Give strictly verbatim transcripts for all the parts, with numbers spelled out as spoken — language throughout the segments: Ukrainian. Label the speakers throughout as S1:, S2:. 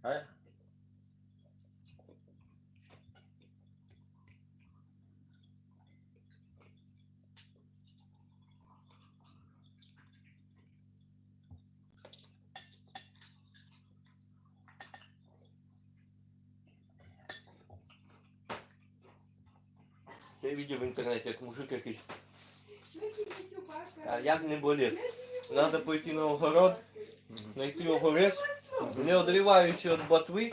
S1: А?
S2: Я видел в интернете, як мужик якийсь. А як не болить? Надо пойти на огород, знайти огурець, не одриваючи від ботви,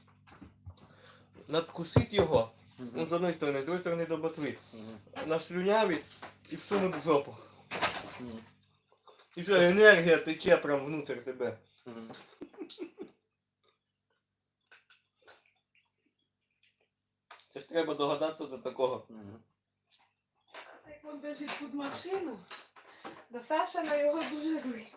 S2: надкусити його, ну, з одної сторони, з другої сторони до ботви, наслюнявить і всунуть в жопу. І все, енергія тече прям внутрь тебе. Це ж треба догадатися до такого.
S3: Як він біжить під машину, то Саша на його дуже злий.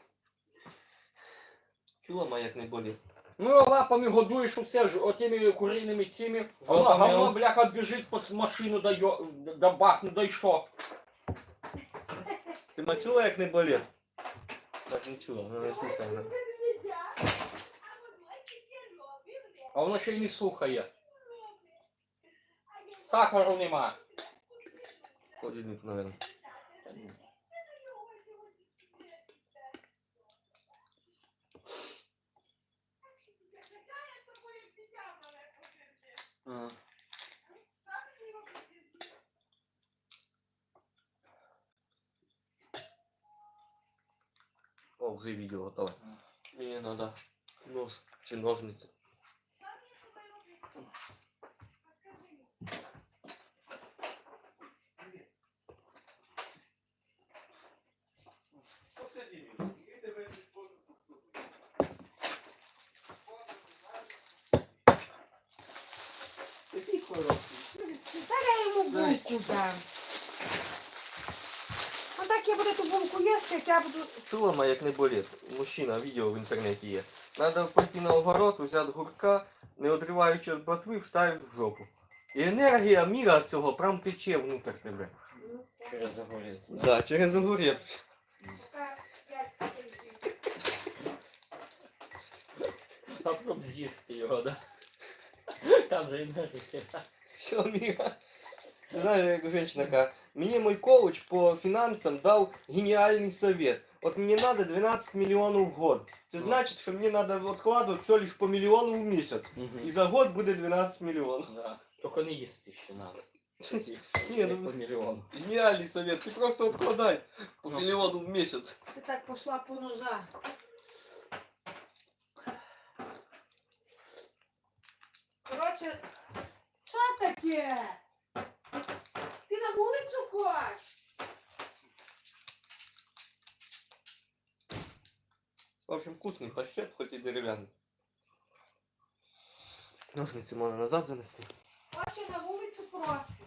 S2: Чула ма, як не болить?
S1: Ну, лапами годуєш усе ж отими куриними цими. А вона
S2: Лапами
S1: говно,
S2: он-
S1: бляха, біжить під машину, да, йо, да бахне, да й що?
S2: Ти ма чула, як не болить? Так не чула, ну не слухай. ну.
S1: А воно ще й не слухає. Сахару нема.
S2: Холодильник, наверное.
S1: Ага.
S2: О, уже видео готово. Мне надо нож чи ножницы. Такий хороший.
S3: Та я йому булку дам. А так я буду ту булку їсти, як я буду...
S2: Чула ма, як не болить? Мужчина, відео в інтернеті є. Надо пойти на огород, взяти гурка, не одриваючи від ботви, вставити в жопу. І енергія міра цього прям тече внутрь тебе.
S1: Через загоріться.
S2: Да, через огурець.
S1: А потім з'їсти його, да? Там же енергія.
S2: Все, Мира. Ты знаешь, как женщина какая. Мне мой коуч по финансам дал гениальный совет. Вот мне надо двенадцать миллионов в год. Это значит, что мне надо откладывать все лишь по миллиону в месяц. И за год будет двенадцать миллионов.
S1: Да. Тільки не їсти ще надо.
S2: Не, ну,
S1: По мільйону.
S2: гениальный совет. Ты просто откладай по
S1: Ну.
S2: миллиону в месяц.
S3: Це так пішла по ножа. Коротше, що таке? Ти на вулицю хочеш?
S2: В общем, вкусный паштет, хоть и деревянный. Ножницы можно назад занести.
S3: Хоче на вулицю просить.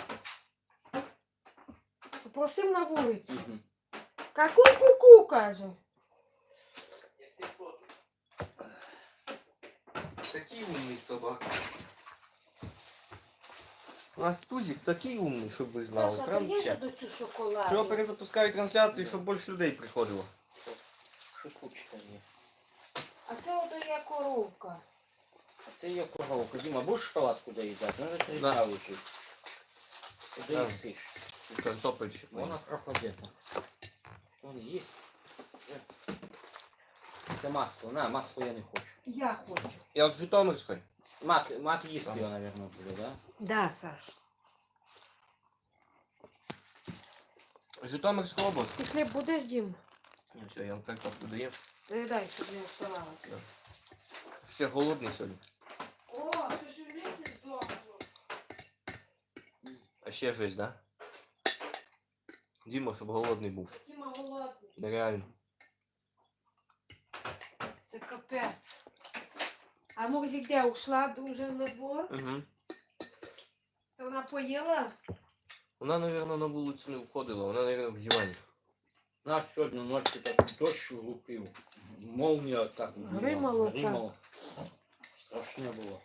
S3: Попросив на вулицю.
S1: Мгм.
S3: Ку-ку-ку, каже.
S2: Такий умний собака. У нас Тузик такий умний, щоб ви знали.
S3: Саша,
S2: Прям
S3: ти їж
S2: ще.
S3: до цю шоколаду?
S2: Треба перезапускати трансляції, щоб більше людей приходило.
S1: Шипучка є.
S3: А це ото є коровка.
S1: А це є коровка. Діма, будеш шоколадку доїдати? Ну, це
S2: Да.
S1: да. лежить. Куди
S2: Да.
S1: їсиш?
S2: І картопель ще.
S1: Вона пропаде там. Вон їсть. Це масло. На, масло я не хочу.
S3: Я хочу.
S2: Я з Житомирської.
S1: Мат, мат їсти
S2: Ага.
S1: його, наверное, буде, да?
S3: Да, Саш.
S2: Житомирська область.
S3: Ти хліб будеш, Дім?
S2: Ні, все, я вам картоплю даю.
S3: Передай, щоб не оставалося.
S2: Все голодний сьогодні.
S3: О, що ж в лісі здохло.
S2: А ще щось, да? Діма, щоб голодний був.
S3: Діма голодний.
S2: Нереально.
S3: Це капець. А Мурзик де ушла дуже на двор?
S2: Угу.
S3: Це вона поїла?
S2: Вона, мабуть, на вулицю не виходила, вона, мабуть, в дивані.
S1: Нас сьогодні ночі так дощ лупив. Молнія так
S3: Гримало так.
S1: гримало. Страшне було.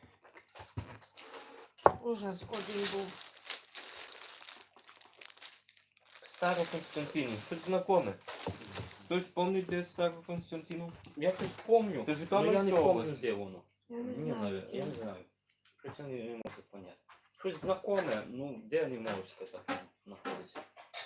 S3: Ужас один був.
S2: Староконстантинів, щось знакоме. Хтось пам'ятає, де Староконстантинів?
S1: Я щось помню,
S2: Це
S1: але я
S2: Житомирська
S1: не помню,
S2: область.
S1: де воно.
S3: Я не
S1: Ні,
S3: знаю.
S1: навіть, я не знаю. Щось вони не можуть поняти. Щось знакоме, ну де не можуть сказати, знаходиться.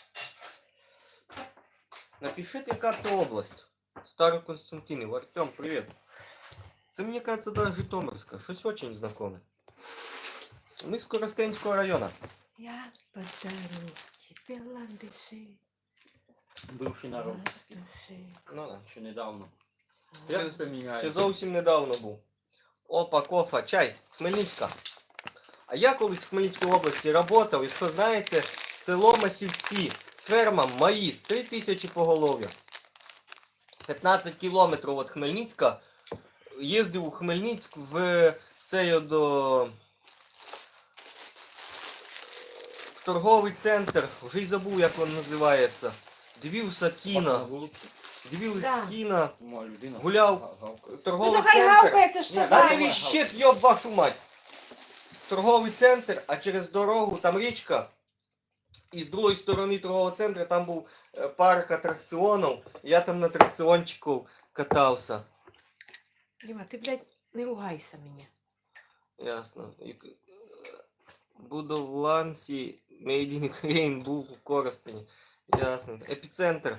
S2: Напишіть, яка це область. Староконстантинів. Артем, привіт. Це, мені кажется, даже Житомирська. Щось очень знакоме. Ми з Коростенського району.
S3: Я подарю тебе ландыши.
S1: Бивший народський.
S3: Ландыши.
S2: Ну да.
S1: Ще недавно.
S2: Ще-
S1: Як це міняє?
S2: Ще зовсім недавно був. Опа, кофа, чай, Хмельницька. А я колись в Хмельницькій області працював, якщо знаєте, село Масівці, ферма Маїс, три тисячі поголов'я. п'ятнадцять кілометрів від Хмельницька. Їздив у Хмельницьк в цей до в торговий центр, вже й забув, як він називається. Дивився
S1: На
S2: кіно,
S1: вулиці.
S2: дивився
S3: Да.
S2: кіно,
S1: Моя людина.
S2: Гуляв.
S1: га- гавкає.
S3: Ну
S2: торговий
S3: то хай
S2: центр.
S3: гавкає, це ж
S1: Ні,
S3: собака.
S2: Да
S1: Давай,
S2: не
S1: давай.
S2: віщет, йоб вашу мать. Торговий центр, а через дорогу там річка. І з другої сторони торгового центру там був е, парк атракціонів. Я там на атракціончику катався.
S3: Діма, ти, блядь, не ругайся мені.
S2: Ясно. І, е, Буду в Лансі, Made in Ukraine, був в Коростені. Ясно. Епіцентр.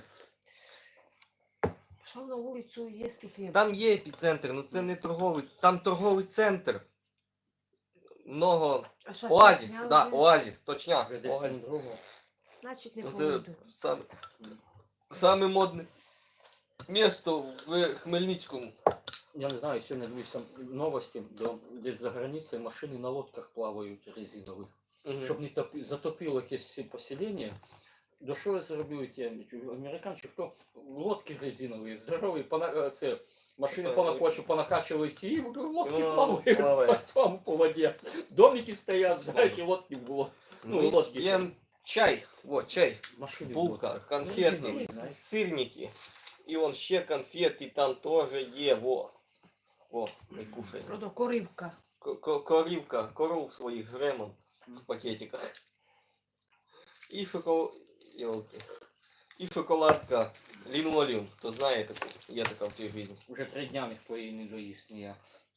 S3: Пішов на вулицю їсти хліб.
S2: Там є епіцентр, але це не торговий. Там торговий центр. Много.
S3: А що,
S2: Оазіс,
S3: зняв
S2: да,
S3: вже?
S2: оазіс, точняк.
S1: Вже десь
S2: Оазіс.
S1: там другого.
S3: Значить, не
S2: Це
S3: поведу.
S2: саме, саме модне місто в Хмельницькому.
S1: Я не знаю, сьогодні дивився новості, до, десь за границею машини на лодках плавають резинових.
S2: Мгм.
S1: Щоб не топі, затопило якесь поселення. До що зробили ті американці, хто лодки резинові, здорові, пона, е, це, машини
S2: Так,
S1: по
S2: так.
S1: накочу понакачували ці, і лодки
S2: Ну,
S1: плавають
S2: плаває.
S1: по цьому по воді. Домики стоять, знаєш, і лодки в лодці. Ну,
S2: Ми
S1: лодки.
S2: п'ємо чай, вот чай,
S1: Машини в
S2: булка,
S1: лодках.
S2: конфети,
S1: Резинові, знаєш.
S2: сирники. І вон ще конфети там теж є, во. Во, ми кушаємо.
S3: Продо коривка.
S2: Ко- ко- Корівка, коров своїх жремо в пакетиках. І шоколад... Йолки. І шоколадка лінолеум. Хто знає таку, є така в цій житті.
S1: Уже три дня ніхто її не доїсть ніяк.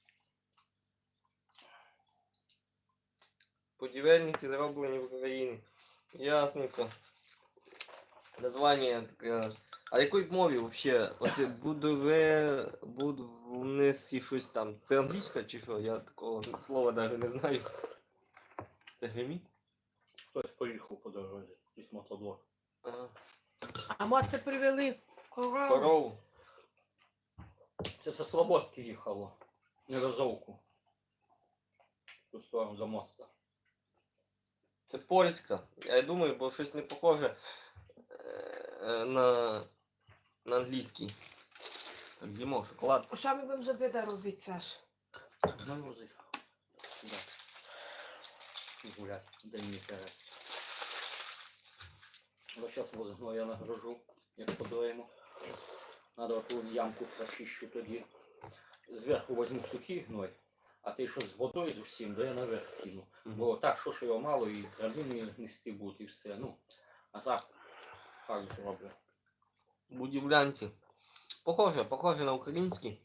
S2: Будівельники зроблені в Україні. Ясненько. Названня таке. А якої мові взагалі? Оце будове, будівництво щось там. Це англійська чи що? Я такого слова навіть не знаю. Це гремі?
S1: Хтось поїхав по дорозі, якийсь мотоблок.
S2: Ага.
S3: А ми це привели корову.
S2: Корову.
S1: Це со Слободки їхало. Не розовку. В ту сторону до моста.
S2: Це польська. Я думаю, бо щось не похоже е, на, на англійський. Так, зимо, шоколад.
S3: Що ми будемо з обіда робити, Саш?
S1: Навози. Сюди. І гулять. Дай мені перед. Вот сейчас возьму, я нагружу, як подоємо. Надо оту ямку прочищу тоді. Зверху возьму сухий гной, а ти що з водою з усім, да я наверх кину. Бо так, що ж його мало і травини нести будуть і все. Ну, а так, так зроблю.
S2: Будівлянці. Похоже, похоже на український.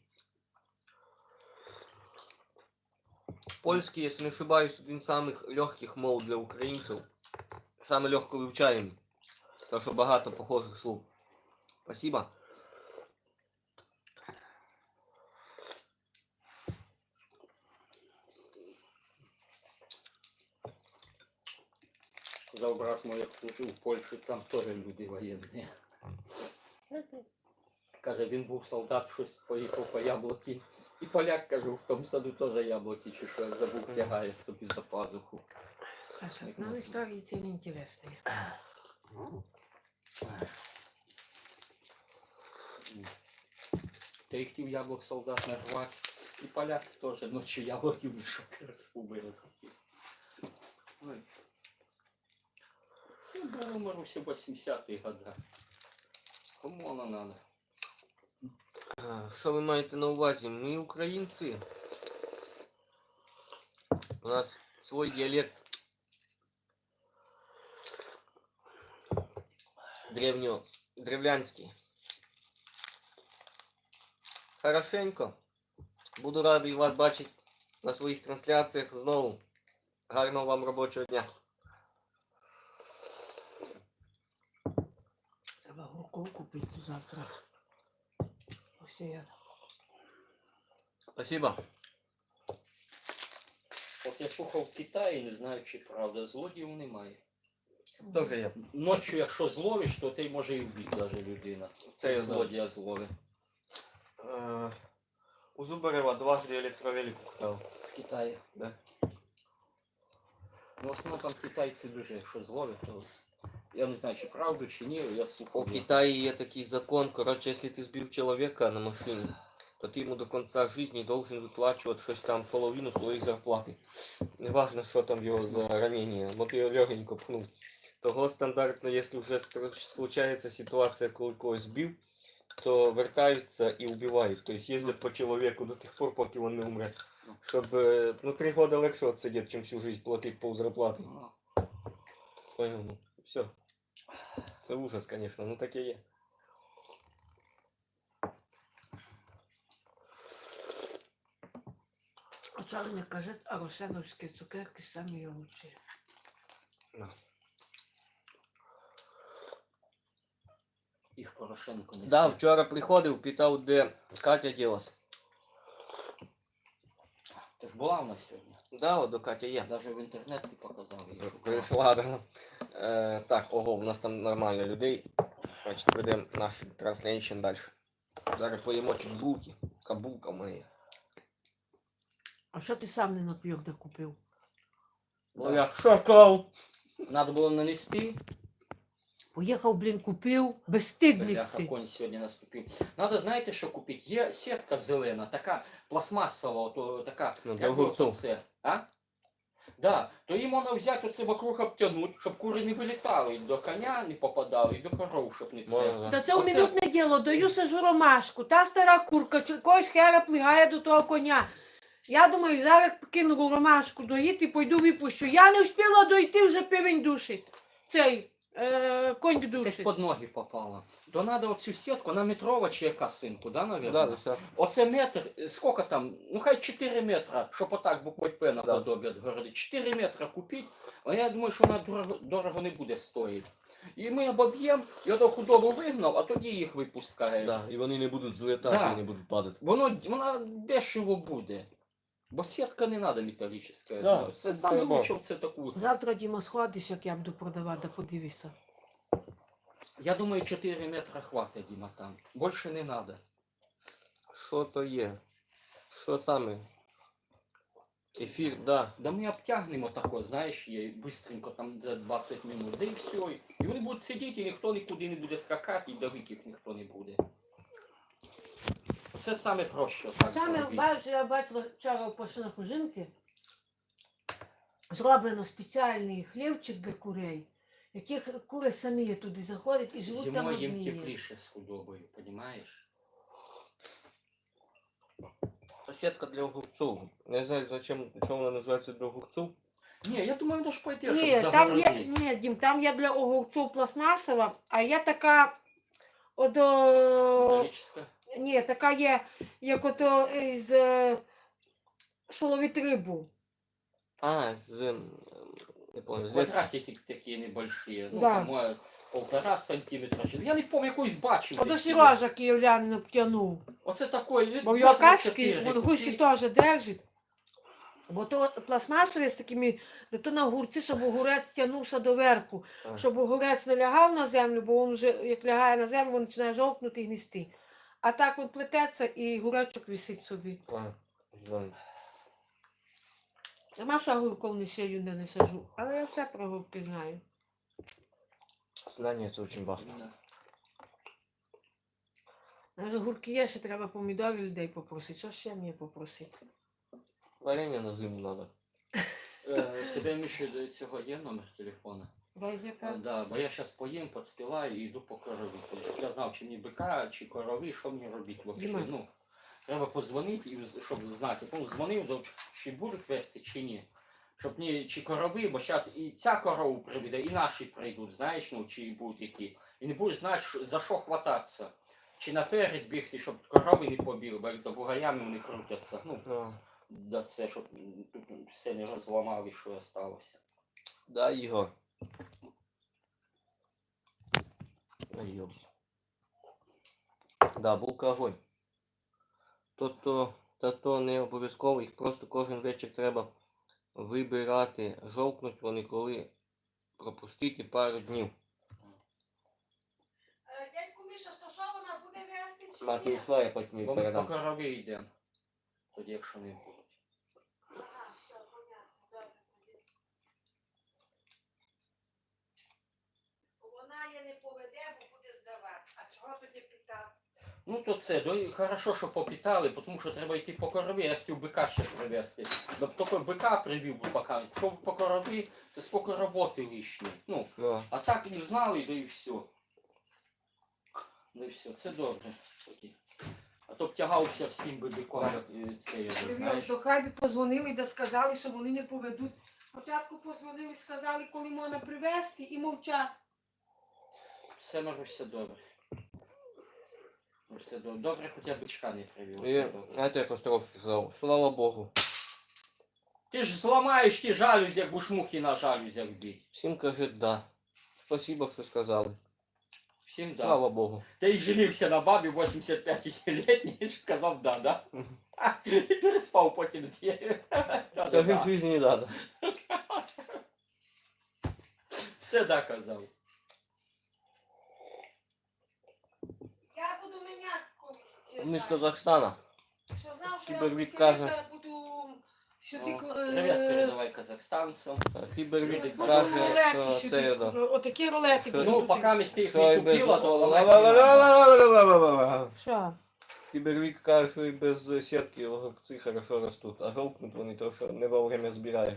S2: Польский, если не ошибаюсь, один из самых легких мов для українців. Саме легко вивчаємий. Тому що багато похожих слов. Спасибо.
S1: Сказав брат мой, як служив в Польщі, там теж люди воєнні. Каже, він був солдат, щось поїхав по яблуки. І поляк, каже, в тому саду теж яблуки, чи що, я забув, тягає собі за пазуху.
S3: Саша, нам історії ці не інтересні.
S1: Та й хотів яблук солдат нарвати. І поляк теж ночі яблуки в мішок розкубили. Ой. Це було, Маруся, восьмидесяті роки. Кому воно надо?
S2: А, Що ви маєте на увазі? Ми українці. У нас свой діалект. Древньо... Древлянський. Хорошенько. Буду радий вас бачити на своїх трансляціях знову. Гарного вам робочого дня.
S3: Треба гурков купити завтра. Посіяти.
S2: Спасибо.
S1: От я слухав в Китаї, не знаю чи правда, злодіїв немає.
S2: Тоже я.
S1: Ночі, якщо зловиш, то ти може і вбити навіть людина.
S2: Це я знаю.
S1: Злодія зловить.
S2: Е, у Зубарева дважды електровелик украл.
S1: В Китаї.
S2: Да.
S1: Ну, в основному там китайці дуже, якщо зловлять, то я не знаю, чи правду, чи ні, я
S2: У
S1: слухав.
S2: Китаї є такий закон, короче, если ты сбил человека на машине, то ты ему до конца жизни должен выплачивать щось там половину своей зарплаты. Неважно, що там його за ранение, вот його легенько пнув. Того стандартно, если вже случається ситуація, коли когось збив, то вертаються і вбивають. Тобто їздять по чоловіку до тих пор, поки він не умре. Щоб, е, ну, три года легше отсидіти, чим всю жизнь платити пол зарплати.
S1: Ну,
S2: Понял, ну, все. Це ужас, конечно, ну таке є.
S3: А чорний каже, а рошеновські цукерки самі лучші.
S2: На.
S1: їх Порошенко не
S2: Да,
S1: сів.
S2: вчора приходив, питав, де Катя ділась.
S1: Ти ж була в нас сьогодні.
S2: Да, от до Катя є.
S1: Навіть в інтернет ти показав. її.
S2: Прийшла, да. Е, так, ого, у нас там нормально людей. Значить, ведемо наш транслейшн далі. Зараз поїмо чуть булки. Кабулка в мене є.
S3: А що ти сам не на п'йорда купив?
S2: Ну я шакал.
S1: Надо було нанести.
S3: Поїхав, блін, купив, безстидник
S1: Бляха,
S3: ти.
S1: конь сьогодні наступив. Надо, знаєте, що купити? Є сітка зелена, така пластмасова, ото, така.
S2: Ну,
S1: як
S2: для огурців.
S1: оце, а? Да, то їм можна взяти оце вокруг обтягнути, щоб кури не вилітали, і до коня не попадали, і до коров, щоб не
S2: Можна,
S1: це.
S2: да.
S3: Та це у
S1: Оце-
S3: минутне діло, даю сажу ромашку, та стара курка, чи когось хера плигає до того коня. Я думаю, зараз кину ромашку доїти, пойду випущу. Я не встигла дойти, вже півень душить. Цей, е, конь
S1: Десь
S3: душить.
S1: під ноги попала. То треба оцю сітку, вона метрова чи яка синку, да, навірно?
S2: Да, да, все.
S1: Оце метр, е, скільки там, ну хай чотири метра, щоб отак буквою П наподобі від городи. чотири метра купити, а я думаю, що вона дорого, дорого не буде стоїти. І ми обоб'ємо, я до худобу вигнав, а тоді їх випускаєш.
S2: Да, і вони не будуть злітати,
S1: Да.
S2: і не будуть падати.
S1: Воно, вона дешево буде. Бо сітка не треба металічна.
S2: Да,
S1: Це
S2: це
S1: саме
S2: треба.
S1: лучше це таку.
S3: Завтра, Діма, сходиш, як я буду продавати, да подивися.
S1: Я думаю, чотири метра хватить, Діма, там. Більше не треба.
S2: Що то є? Що саме? Ефір, да.
S1: Да ми обтягнемо тако, знаєш, є, бистренько там за двадцять минут, да і все. І вони будуть сидіти, і ніхто нікуди не буде скакати, і давити їх ніхто не буде. Це саме проще. Так
S3: Саме,
S1: зробити.
S3: бачиш, я бачила вчора в пошинах у жінки, зроблено спеціальний хлівчик для курей, яких кури самі туди заходять і живуть там
S1: Зимою їм
S3: одні.
S1: тепліше з худобою, розумієш?
S2: Це сітка для огурців. Не знаю, зачем, чому вона називається для огурців.
S1: Ні, я думаю, воно ж пойде,
S3: Ні,
S1: щоб
S3: там є,
S1: загородити.
S3: ні, Дім, там є для огурців пластмасова, а є така, ото,
S1: Металічна.
S3: ні, така є, як ото із, е, що ловить рибу.
S2: А, з... ем, Не помню, з леса.
S1: Квадратики такі небольші, ну
S3: Да.
S1: там може, полтора сантиметра. чи- Я не пам'ятаю, якийсь бачив.
S3: Ото
S1: десь.
S3: Сережа київлянин обтягнув.
S1: Оце такий.
S3: Бо в його качки, він гусі теж держить. Бо то пластмасові з такими, де то на огурці, щоб огурець тягнувся доверху.
S2: А.
S3: Щоб огурець не лягав на землю, бо він вже, як лягає на землю, він починає жовкнути і гністи. А так він плететься і гуречок висить собі.
S2: А, знаю.
S3: Нема що огурков не сію, де не сажу. Але я все про огурки знаю.
S2: Знання це дуже важливо.
S1: Да.
S3: Навіть огурки є, ще треба помідорів людей попросити. Що ще мені попросити?
S2: Варення на зиму треба.
S1: Е, Тебе Міша до цього є номер телефона? А,
S3: Байдяка?
S1: да, бо я зараз поїм, підстилаю і йду по корові. Щоб я знав, чи мені бика, чи корови, що мені робити взагалі.
S3: Діма.
S1: Ну, треба подзвонити, і з- щоб знати, ну, дзвонив, до- чи будуть вести, чи ні. Щоб ні, чи корови, бо зараз і ця корову приведе, і наші прийдуть, знаєш, ну, чи будуть які. І не будеш знати, що- за що хвататися. чи наперед бігти, щоб корови не побігли, бо як за бугаями вони крутяться. Ну,
S2: Ну,
S1: да це, щоб тут все не розламали, що осталося.
S2: да, Ігор. Ой, йоб. Да, булка огонь. То-то, то не обов'язково, їх просто кожен вечір треба вибирати. Жовкнуть вони, коли пропустити пару днів.
S3: Дядьку Міша, то що вона буде вести чи
S2: Мати
S3: ні?
S2: йшла, я потім їй
S1: Бо ми по
S2: передам.
S1: корови йдемо. Тоді, якщо не будуть.
S3: Ага, все, понятно, добре. Вона її не поведе, бо буде здавати. А чого тоді питав?
S1: Ну то це, до, хорошо, що попітали, тому що треба йти по корові, я хотів бика ще привезти. Ну, тільки бика привів би поки. Якщо б по корові, це скільки роботи лишні. Ну,
S2: Ну,
S1: а так не знали, да і все. Да і все, це добре. Тоді. А то б тягався всім би биком, як е, це, я знаєш.
S3: До хай би позвонили да сказали, що вони не поведуть. Спочатку позвонили, сказали, коли можна привезти, і мовчать.
S1: Все, Маруся, добре. Все добре. Добре, хоча бичка не привів.
S2: і
S1: Все добре.
S2: це як Островський сказав. Слава Богу.
S1: Ти ж зламаєш ті жалюзі, як будеш мухи на жалюзях бить.
S2: Всім каже да. Спасибо, що сказали.
S1: Всім да.
S2: Слава Богу.
S1: Ти й женився на бабі вісімдесят п'ятилітній, що казав да, да? І переспав потім з нею.
S2: Скажи, в житті не надо.
S1: Все да казав.
S3: Я буду міняти колись. ці
S2: Ми з
S3: жаль.
S2: Казахстана.
S3: Що знав, що я
S2: Кібервік
S3: ці
S2: каже.
S3: літа буду сюди...
S1: О,
S3: кл-
S1: Привіт
S3: е,
S1: передавай казахстанцям.
S2: Фібервік
S3: буду
S2: каже,
S3: рулети
S2: що
S3: сюди,
S2: це да.
S3: отакі рулети
S2: Що-
S3: буду
S1: Ну,
S3: купити.
S1: поки ми з тих
S2: Що
S1: не
S2: і без...
S1: купила, то ламати не надо.
S3: Що?
S2: Фібервік каже, що і без сітки огурці хорошо ростуть, а жовкнуть вони то, що не вовремя збираєш.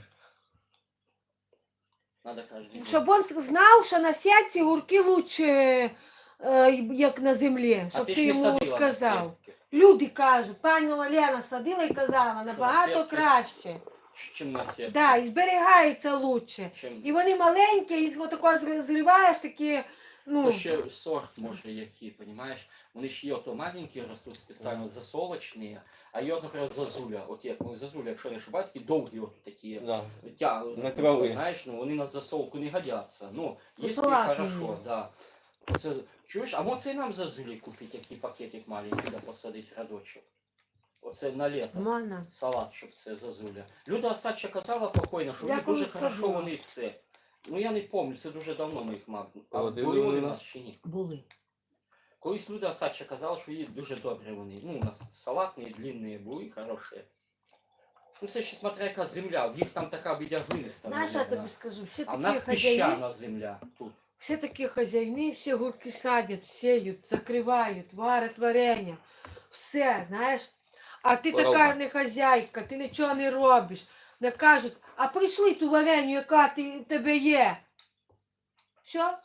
S1: Надо кожен день.
S3: Щоб він знав, що на сітці гурки лучше, е, як на землі,
S1: А
S3: щоб
S1: ти
S3: ти
S1: ж не
S3: йому
S1: садила на
S3: сказав.
S1: сітки.
S3: Люди кажуть, пані Олена садила і казала, набагато
S1: сітки?
S3: краще.
S1: Чим на сітки?
S3: Да, і зберігається лучше.
S1: Чим...
S3: І вони маленькі, і отако зри- зриваєш такі, ну,
S1: То ще сорт може який, понимаєш? Вони ж є ото маленькі ростуть спеціально засолочні, а є, от, наприклад, зазуля. От як ну, зазуля, якщо не ошибаюсь, такі довгі от такі.
S2: Да.
S1: Тя,
S2: Метрові.
S1: знаєш, ну вони на засолку не годяться. Ну,
S3: Ну,
S1: якщо
S3: салатні.
S1: хорошо, да. Оце, чуєш, а може і нам зазулі купити, який пакетик маленький, да посадити рядочок. Оце на літо.
S3: можна.
S1: Салат, щоб це зазуля. Люда Осадча казала покойно, що
S3: Я
S1: вони дуже
S3: колись
S1: хорошо
S3: садила.
S1: вони це. Ну я не пам'ятаю, це дуже давно ми їх мав. А
S2: Родили
S1: були вони
S2: вони
S1: у
S2: нас?
S1: нас чи ні?
S3: Були.
S1: Колись Люда Осадча казала, що її дуже добре вони. Ну, у нас салатні, длинні були, хороші. Ну, це ще смотря яка земля, в їх там така біля глиниста.
S3: Знаєш, я
S1: наверно.
S3: тобі скажу, всі
S1: А в
S3: такі
S1: нас
S3: хазяїни,
S1: піщана земля тут.
S3: всі такі хазяїни, всі гурки садять, сіють, закривають, варять варення. Все, знаєш. А ти
S2: Коровка.
S3: така не хазяйка, ти нічого не робиш. Не кажуть, а прийшли ту вареню, яка ти, тебе є. Що?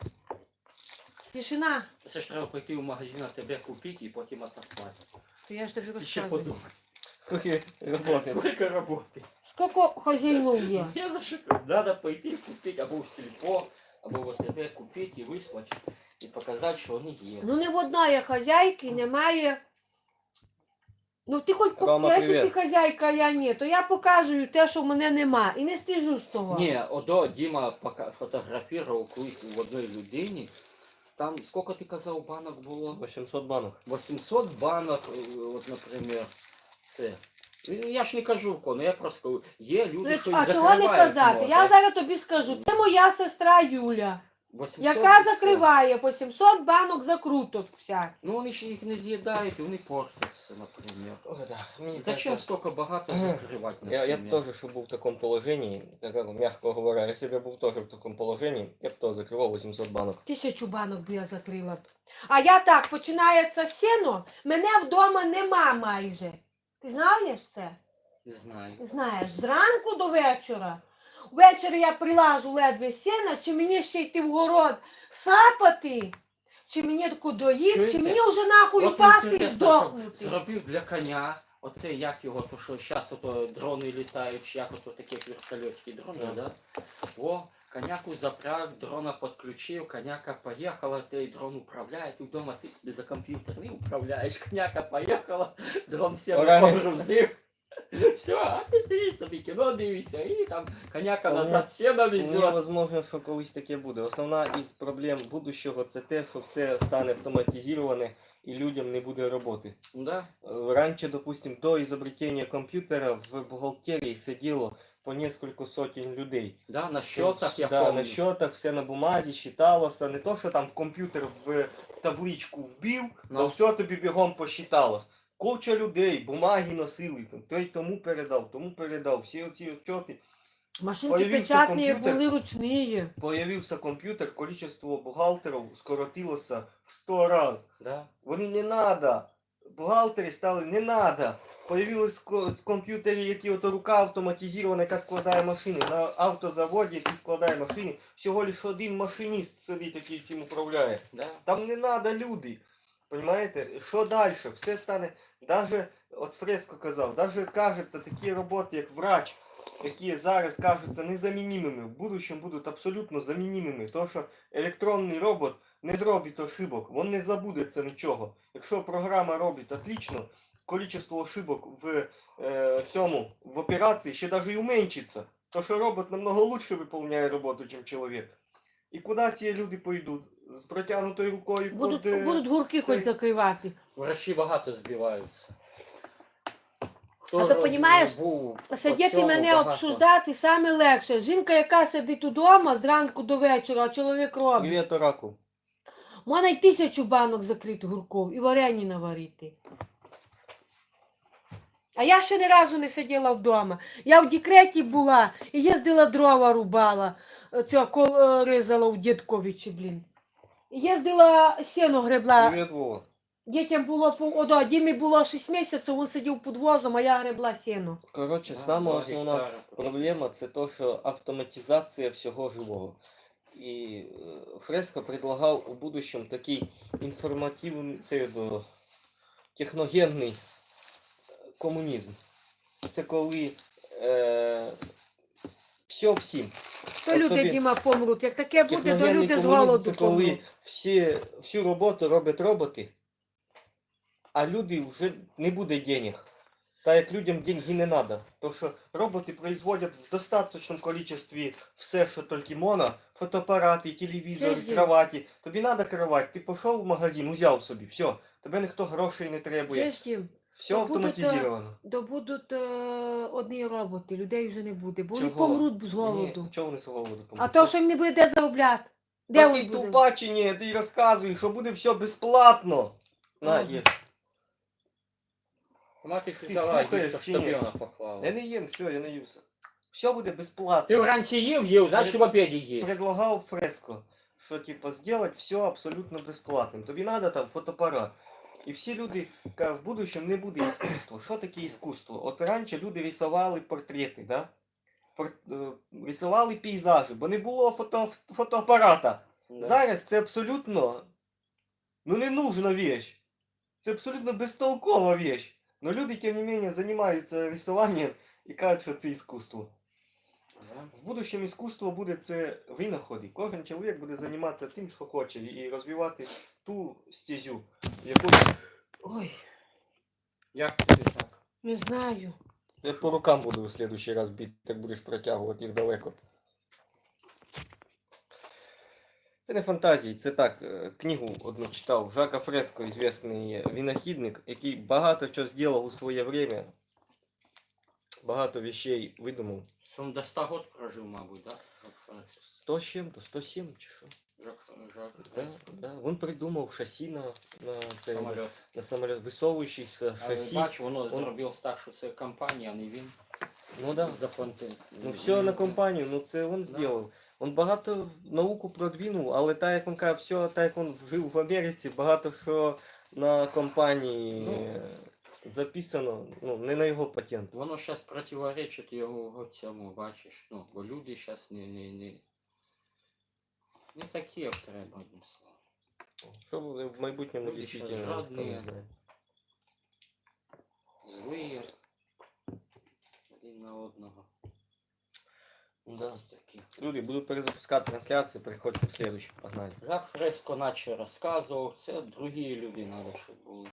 S3: Тишина.
S1: Це ж треба пойти в магазин, а тебе купити і потім отослати.
S3: То я ж тобі
S1: І ще
S3: розказую.
S1: подумати.
S2: Скільки роботи.
S1: Скільки роботи.
S3: Скільки хазяїнів є?
S1: Я за що кажу, треба пойти купити або в сільпо, або в тебе купити і вислати, і показати, що вони є.
S3: Ну не в одної хазяйки немає. Ну ти хоч
S2: Рома,
S3: покажи, ти
S2: привіт.
S3: хазяйка, а я ні, то я показую те, що в мене нема. І не стижу з того.
S1: Ні, одо Діма пока фотографував колись в одній людині. Там, скільки ти казав, банок було?
S2: вісімсот банок.
S1: вісімсот банок, е, от, наприклад, це. Ну, я ж не кажу кому, я просто кажу, є
S3: Ну,
S1: люди, що і
S3: а чого не
S1: закривають,
S3: казати?
S1: може.
S3: Я зараз тобі скажу. Це моя сестра Юля,
S1: вісімсот
S3: яка
S1: і все.
S3: закриває по сімсот банок закруток всяких.
S1: Ну вони ж їх не з'їдають, і вони портяться, наприклад.
S2: Ой, да. Мені
S1: Зачем
S2: кажется,
S1: столько багато закривати,
S2: Я, я б
S1: наприклад?
S2: тоже, щоб був в такому положенні, так, как, мягко говоря, якщо б я був теж в такому положенні, я б теж закривав вісімсот банок.
S3: Тисячу банок би я закрила б. А я так, починається сіно, мене вдома нема майже. Ти знаєш це?
S1: Знаю.
S3: Знаєш, зранку до вечора. Ввечері я прилажу ледве сіна, чи мені ще йти в город сапати, чи мені таку доїти, чи
S1: Чуєте?
S3: мені вже нахуй
S1: От
S3: упасти і
S1: інтересно, щоб
S3: здохнути.
S1: зробив для коня Оце як його, то що зараз ото дрони літають, чи як ото такі вертольотики дрони,
S2: Да.
S1: да? О, коняку запряг, дрона підключив, коняка поїхала, ти дрон управляє, ти вдома сидиш собі за комп'ютер, не управляєш, коняка поїхала, дрон сів
S2: Ура.
S1: погрузив. Все, а ти сидиш собі кіно дивишся, і там коняка назад сіна
S2: Мені
S1: везет.
S2: возможно, що колись таке буде. Основна із проблем будущого це те, що все стане автоматизоване і людям не буде роботи.
S1: Да?
S2: Э, Раньше, допустим, до изобретения компьютера в бухгалтерии сидело по несколько сотен людей.
S1: Да, на счетах я
S2: да,
S1: помню.
S2: на счетах, все на бумазі, считалося. Не то, що там в комп'ютер в табличку вбив,
S1: Ну.
S2: то все тобі бігом посчиталось. Куча людей, бумаги носили, там, той тому передав, тому передав. Всі оці отчоти.
S3: Машинки
S2: Появився
S3: печатні
S2: комп'ютер.
S3: були ручні.
S2: Появився комп'ютер, количество бухгалтерів скоротилося в сто разів.
S1: Да.
S2: Вони не надо. Бухгалтери стали не надо. Появились ко- комп'ютери, які ото рука автоматизована, яка складає машини. На автозаводі, який складає машини, всього лише один машиніст сидить, який цим управляє.
S1: Да.
S2: Там не надо люди. Понимаєте? Що далі? Все стане. Даже, от Фреско казав, даже кажеться такі роботи, як врач, які зараз кажуться незамінімими, в будущем будуть абсолютно замінімими. Тому що електронний робот не зробить ошибок, він не забудеться нічого. Якщо програма робить отлично, кількість ошибок в е, цьому, в операції ще навіть і уменьшиться. То що робот намного лучше виконує роботу, ніж чоловік. І куди ці люди пойдуть? З протягнутою рукою
S3: Будуть,
S2: під, е,
S3: будуть гурки
S2: цей-
S3: хоч закривати.
S1: Врачі багато збиваються. Хто
S3: А то,
S1: ро-
S3: понімаєш,
S1: був по
S3: Сидіти
S1: цьому
S3: мене
S1: багато.
S3: обсуждати саме легше. Жінка, яка сидить удома зранку до вечора, а чоловік робить.
S2: Привіт, Оракул.
S3: Можна й тисячу банок закрити гурков і варені наварити. А я ще ні разу не сиділа вдома. Я в декреті була і їздила дрова рубала, цього кол- ризала у Дідковичі, блін. І їздила сіно гребла.
S2: Привіт, Вова.
S3: Дітям було по о, да, Дімі було шість місяців, він сидів під возом, а я гребла сіно.
S2: Коротше,
S1: Да,
S2: сама
S1: два
S2: основна
S1: гектара.
S2: проблема це то, що автоматизація всього живого. І е, Фреско предлагав у будущем такий інформативний, це до техногенний комунізм. Це коли е, все всім.
S3: То
S2: От
S3: люди,
S2: тобі
S3: Діма, помруть. Як таке буде, то
S2: Техногенний
S3: люди з
S2: комунізм
S3: голоду
S2: це коли
S3: помруть.
S2: всі, всю роботу роблять роботи, а люди вже не буде денег. Та як людям деньги не треба. То що роботи производять в достаточному кількості все, що тільки можна. Фотоапарати, телевізори,
S3: Тиждень.
S2: кроваті. Тобі треба кровать, ти пішов в магазин, узяв собі, все. Тебе ніхто грошей не требує.
S3: Чуєш, Дім?
S2: Все
S3: то будуть,
S2: автоматизовано.
S3: То будуть е, одні роботи, людей вже не буде, бо вони
S2: Чого?
S3: помруть з голоду.
S2: Ні, чого вони з голоду
S3: А
S2: помруть?
S3: то, що їм не буде де заробляти. Де
S2: Та
S3: він
S2: ти
S3: буде?
S2: тупа чи ні, ти розказуєш, що буде все безплатно. На,
S3: Ага.
S2: є.
S1: Мати ж
S2: Ти
S1: взяла,
S2: слухаєш
S1: їсти,
S2: чи
S1: щоб
S2: ні?
S1: вона поклала.
S2: Я не їм, все, я не ївся. Все буде
S1: Ти
S2: безплатно.
S1: вранці їв, їв, значить в обіді їв.
S2: Предлагав Фреско, що типа зробити все абсолютно безплатним. Тобі треба там фотоапарат. І всі люди кажуть, в будущем не буде іскусства. Що таке іскусство? От раніше люди рисували портрети, да? Пор... е, рисували пейзажі, бо не було фото... фотоапарата.
S1: Да.
S2: Зараз це абсолютно ну не нужна вещь. Це абсолютно безтолкова вещь. Но люди, тем не менее, займаються рисуванням і кажуть, що це іскусство.
S1: Да.
S2: В будущем іскусство буде це винаходи. Кожен чоловік буде займатися тим, що хоче, і розвивати ту стезю, яку
S3: Ой,
S1: Як ти так?
S3: не знаю.
S2: я по рукам буду в следующий раз бити, так будеш протягувати їх далеко. Це не фантазії, це так, е, книгу одну читав. Жака Фреско, известний винахідник, який багато чого зробив у своє время. Багато вещей видумав.
S1: Він до ста років прожив, мабуть, да?
S2: сто з чим-то, сто сім чи що?
S1: Жак, Жак,
S2: Да, да. Він придумав шасі на, на, це,
S1: самоліт.
S2: на самоліт, висовуючийся
S1: Але
S2: шасі.
S1: бач, воно
S2: Он-
S1: зробив так, що це компанія, а не він.
S2: Ну да.
S1: Заплатив.
S2: Ну все на компанію, ну це він зробив. Він багато науку продвинув, але так як він каже, все, так як він жив в Америці, багато що на компанії
S1: Ну.
S2: е, записано, ну, не на його патент.
S1: Воно зараз противоречить його цьому, бачиш. Ну, бо люди зараз не, не, не, не такі, як треба, одним словом.
S2: Що буде в майбутньому
S1: Люди
S2: дійсно,
S1: щас
S2: ніхто не
S1: жадні.
S2: знає.
S1: Злые. одного.
S2: Да.
S1: Ось такі.
S2: Люди, буду перезапускати трансляцію, переходьте в следующую. Погнали.
S1: Жак Фреско наче розказував, це другі люди треба, щоб були.